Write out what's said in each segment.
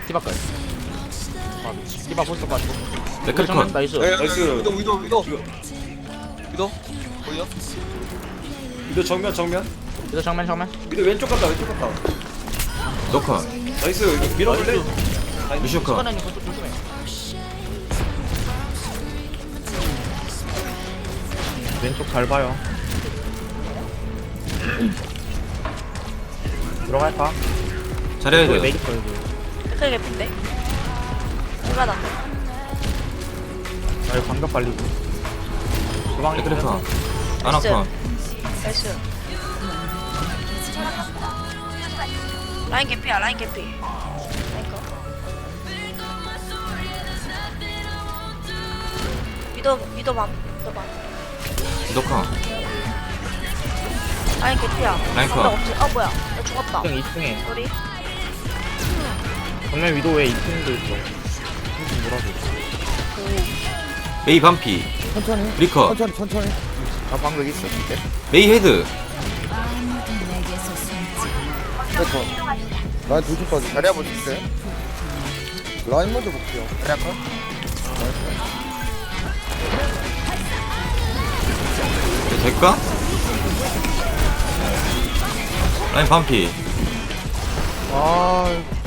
디바까지. 디바 볼것 가지고. 맥크리컨. 나이스. 나이스. 위도 보여? 위도 정면 이거 정면. 위도 왼쪽 갔다 노컨. 나이스. 이거 밀어볼래? 루시오 컷. 수건아님 그쪽 조심해. 왼쪽 잘 봐요. 들어갈까? 잘해야 이거 돼요. 맥이 걸고. 크게 개핀데? 누가 나? 나 이거 방금 빨리고. 주방이 맥크리컨. 아나컨. 나이스. 라인 개피야, 라인 개피. 라인 거. 위도 맘. 노컨. 라인 개피야. 라인 컷. 나 없지. 뭐야. 나 죽었다. 2층 2층에. 우리 정면 위도 왜 2층도 있어? 2층 뭐라고? 메이 반피. 천천히 리커. 천천히 나 방금 있어. 메이 헤드. 됐어 라인 도주까지 자리 한번 줄게 라인 먼저 볼게요 자리 한번 될까? 라인 반피. 아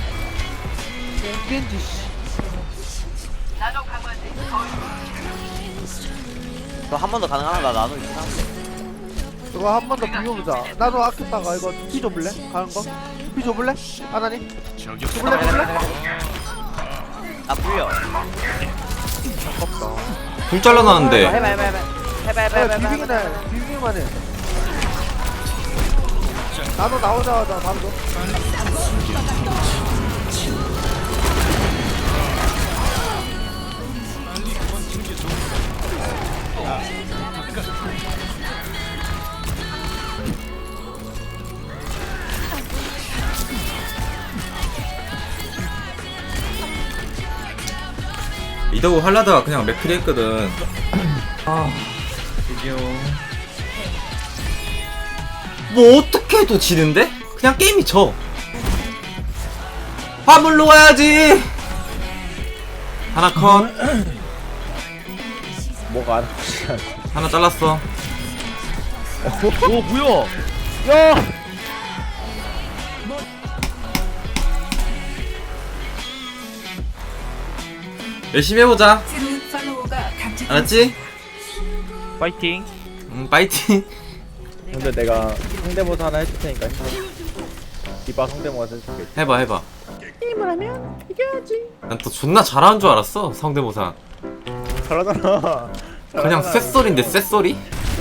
한 번 더 가능하나? 나노 있긴 한데. 이거 한 번 더 비벼보자. 나도 아꼈다가 이거 피 줘볼래? 가는 거? 피 줘볼래? 하나니? 줘볼래? 나 불려. 둘 잘라놨는데. 해봐. 비비기만 해. 나도 나오자마자 바로 줘. 이더고 할라다가 그냥 맥크리 했거든. 드디어. 뭐 어떻게 해도 지는데? 그냥 게임이 져. 화물로 가야지. 하나 컷. 뭐가 안 하나 잘랐어. 오 뭐야? 야! 열심히 해보자. 알았지? 파이팅. 파이팅. 근데 내가 성대모사 하나 해줄 테니까 디바 성대모사 해줄게. 해봐. 난 또 존나 잘하는 줄 알았어. 성대모사. 잘하잖아. 그냥 쇳소리인데 쇳소리?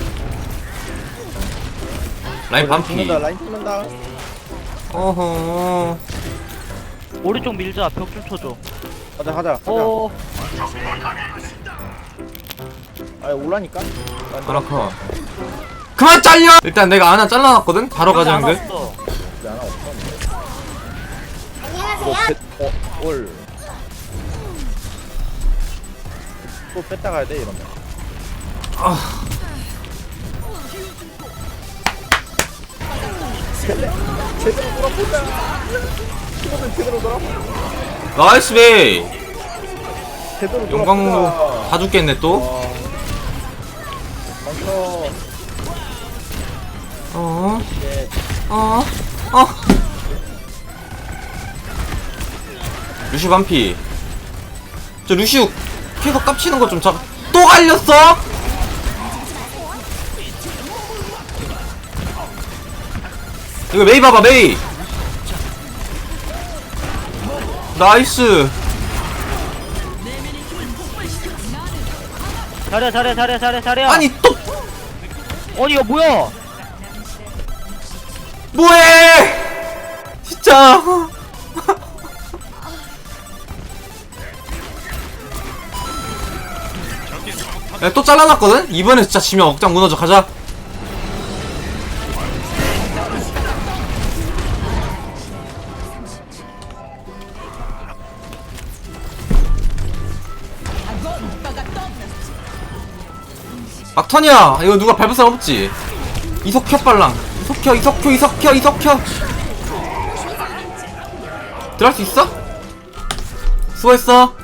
라인 반피. 라인 찍는다. 어허. 오른쪽 밀자. 벽 좀 쳐줘. 가자. 아니 올라니까. 하나 컷. 그만 잘려! 일단 내가 하나 잘라놨거든? 바로 가자는 걸? 하나 없어. 올. 또 뺐다 가야 돼 이러면. 제대로 돌아보자. 이거는 제대로 돌아보자. 나이스 베이! 제대로 용광로 다 죽겠네 또? 멈춰. 이제 루슈 반피. 저 루슈 계속 깝치는 거 좀 잡. 또 갈렸어? 이거 메이 봐봐 메이. 나이스. 잘해. 아니 또 아니 이거 뭐야? 뭐해? 진짜. 야, 또 잘라놨거든? 이번에 진짜 지면 억장 무너져. 가자. 막턴이야. 이거 누가 밟을 사람 없지? 이석켜 빨랑. 이석켜. 들어갈 수 있어? 수고했어.